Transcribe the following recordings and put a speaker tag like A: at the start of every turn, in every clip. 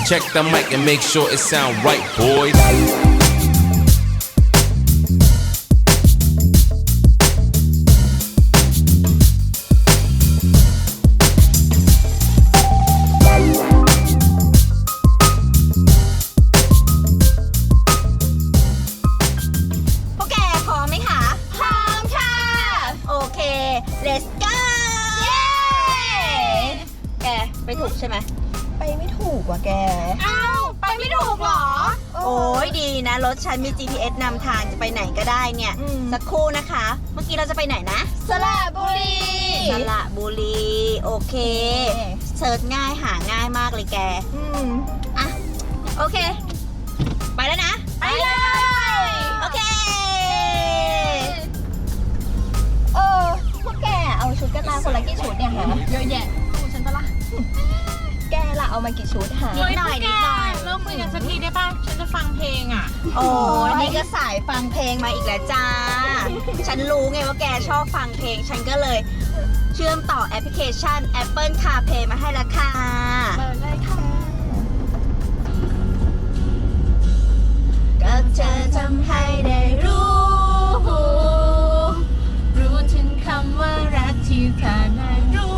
A: Check the mic and make sure it sound right, boys.
B: พวกแกพร้อมไหมคะพร้อมค่ะโอเค let's go เย้แกไปถูกใช่ไหม
C: ไปไม่ถูกว่ะแก
B: อ้าวไปไม่ถูกเหรอโอ้ยดีนะรถฉันมี GPS นำทางจะไปไหนก็ได้เนี่ยสักครู่นะคะเมื่อกี้เราจะไปไหนนะ
C: สระบุรี
B: สระบุรีโอเคเซิร์ชง่ายหาง่ายมากเลยแกอ่ะโอเคไปแล้วนะไปเลยโอเค
C: พวกแกเอาชุดกันมาคนละกี่ชุดเนี่ยฮะ
D: เยอะแยะดูฉันปะล่ะ
C: แกล่ะเอามากี่ชุดฮะ
B: นิดหน่อย
D: เลิกคุยกันสักทีได้ป่ะฉันจะฟังเพลงอ่ะ
B: โอ้นี่ก็สายฟังเพลงมาอีกแล้วจ้าฉันรู้ไงว่าแกชอบฟังเพลงฉันก็เลยเชื่อมต่อแอปพลิเคชัน Apple CarPlay มาให้ละค่ะ
C: เปิดเลยค่ะ
B: ก็เธอทำให้ได้รู้
D: ถึงคำว่ารักที่เธอได้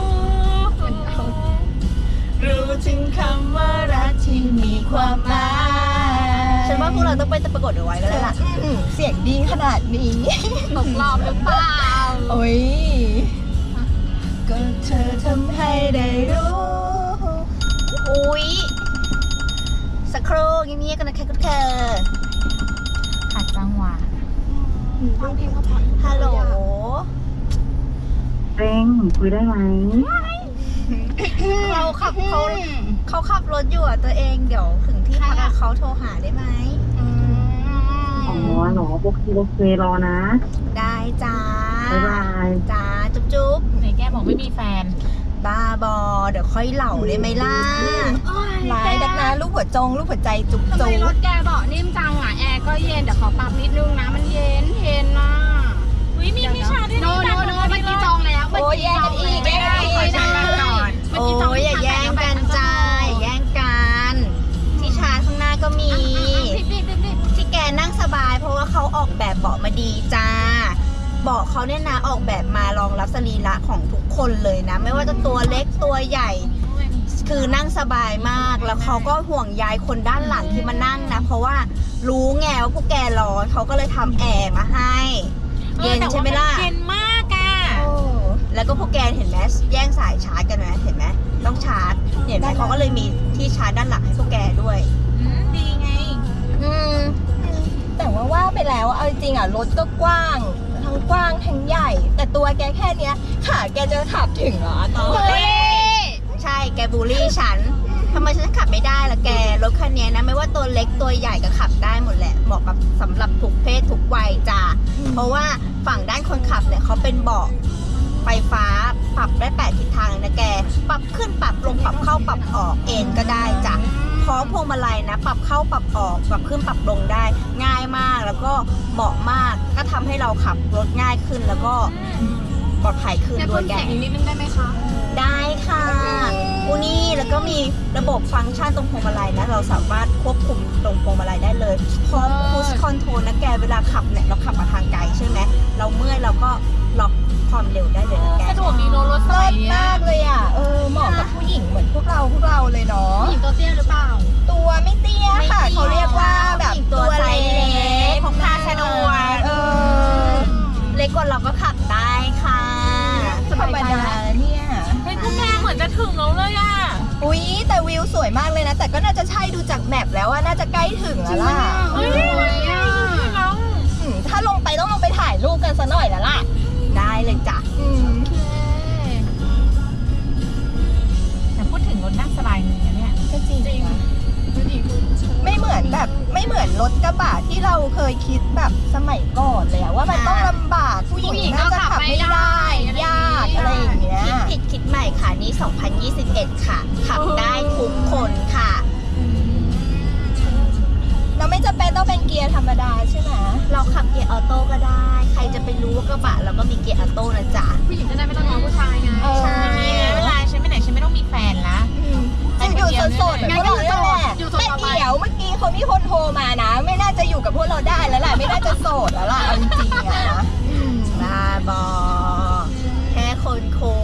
D: รู้ถึงคำว่ารักที่มีความหมาย
B: ฉันว่าพวกเราต้องไปประกวดเอาไว้กันแล้วล่ะ
C: เสียงดีขนาดนี้
D: ตกรอบหรือเปล่า
C: โอ้ยก็เธอทำให้ได้รู้
B: อุ๊ยสักครู่เงียบๆกันนะคะคุณเธอ
D: ขัดจังหวะฟังเพลงเขาพอ
B: ฮัลโหล
E: เร่งคุยได้ไหม
B: เขาขับรถอยู่อ่ะตัวเองเดี๋ยวถึงที่พักเขาโทรหาได้ไหม
E: อ๋อหนูโอเครอนะ
B: ได้จ้า
E: บ๊ายบาย
B: จ้าจุ๊บ
D: ไหนแกบอกไม่มีแฟน
B: บ้าบอเดี๋ยวค่อยเหล่าได้ไหมล่ะ
C: ร้ายดักนะลูกหัวใจจุ๊บ
D: ทำไมรถแกเบาะนิ่มจังอ่ะแอร์ก็เย็นเดี๋ยวขอปรับนิดนึงนะมันเย็นนะวิมีชาด้วยโนเมื่อกี้จองแล้ว
C: โอ้ยแย่งกันอีก
B: โอ้ยอย่าแย่งกันจ้าอย่าแย่งกันที่ชาร์จข้างหน้าก็มีที่แกนั่งสบายเพราะว่าเขาออกแบบเบาะมาดีจ้าเบาะเขาเนี่ยนะออกแบบมารองรับสรีระของทุกคนเลยนะไม่ว่าจะตัวเล็กตัวใหญ่คือนั่งสบายมากแล้วเขาก็ห่วงใยคนด้านหลังที่มานั่งนะเพราะว่ารู้ไงว่าพวกแกร้อนเขาก็เลยทำแอร์มาให้เย็นใช่ไหมล่ะ
D: เย็นมากอ่ะ
B: แล้วก็พวกแกเห็นไหมแย่งสายชาร์จกันไหมเห็นไหมต้องชาร์จเห็นไหมเขาก็เลยมีที่ชาร์จด้านหลังให้พวกแกด้วย
D: ดีไง
C: แต่ว่าไปแล้วเอาจริงอ่ะรถก็กว้างทั้งกว้างทั้งใหญ่แต่ตัวแกแค่เนี้ยขาแกจะขับถึงเหรอ
B: ใช่แกบูลลี่ฉันทำไมฉันขับไม่ได้ล่ะแกรถคันนี้นะไม่ว่าตัวเล็กตัวใหญ่ก็ขับได้หมดแหละเหมาะกับสำหรับทุกเพศทุกวัยจ้าเพราะว่าฝั่งด้านคนขับเนี่ยเขาเป็นเบาะไฟฟ้าปรับได้8ทิศทางนะแกปรับขึ้นปรับลงปรับเข้าปรับออกเอนก็ได้จ้ะพร้อมพวงมาลัยนะปรับเข้าปรับออกปรับขึ้นปรับลงได้ง่ายมากแล้วก็เหมาะมากก็ทำให้เราขับรถง่ายขึ้นแล้วก็ปลอดภัยขึ้นด้วยแก
D: นิดนึงได้ไหมคะ
B: ได้ค่ะนี่แล้วก็มีระบบฟังก์ชันตรงพวงมาลัยนะเราสามารถควบคุมตรงพวงมาลัยได้เลยพร้อมพุชคอนโทรลนะแกเวลาขับเนี่ยเราขับมาทางไกลใช่ไหมเราเมื่อยเราก็ล็อกความเร็วได้เลยนะแก
D: สะดวกดีรถสมัยนี้
C: มากเลยอ่ะเหมาะกับผู้หญิงเหมือนพวกเราเลยเนาะ
D: ผู้หญิงตัวเตี้ยหรือเปล่า
C: ตัวไม่เตี้ยค่ะเขาเรียกว่าแบบ
B: ตัวไซส์เล็กพกพาสะดวกเล็กกว่าเราก็ขับได้ค่ะ
C: ธรรมดาเนี่ย
D: เฮ้ยพวกแกเหมือนจะถึงแล้วเลยอ่ะ
C: อุ๊ยแต่วิวสวยมากเลยนะแต่ก็น่าจะใช่ดูจากแมปแล้วว่าน่าจะใกล้ถึงแล้วล่ะถ้าลงไปต้องลงไปถ่ายรูปกันซะหน่อยแล้วล่ะ
B: ได้เลยจ้ะ
D: แต่พูดถึงรถนั่งสบายจริงนะเนี่ย
C: ก็จริงไม่เหมือนรถกระบะที่เราเคยคิดแบบสมัยก่อนเลยว่ามันต้องลำบากผู้หญิงน่าจะขับไม่ได้ยากอะไรอย่างเงี้ย
B: คิดใหม่ค่ะนี้2021ค่ะขับได้ทุกคนค่ะ
C: เราไม่จำเป็นต้องเป็นเกียร์ธรรมดาใช่ไหม
B: เราขับเกียร์ออโต้ก็ได้ใครจะไปรู้ว่ากระบะเราก็มีเกียร์ออโต้นะจ๊ะ
D: ผู้หญิงจะได้ไม่ต้องง้อผู้ชายไง
B: ใช่
D: เวลาฉันไปไหนฉันไม่ต้องมีแฟนละ
C: จะอยู่โสดๆก็ได้แหละคนโทรมานะ ไม่น่าจะอยู่กับพวกเราได้แล้วแหละไม่น่าจะโสดแล้วล่ะเอาจริงๆอะนะ
B: บ้าบอแค่คนคุ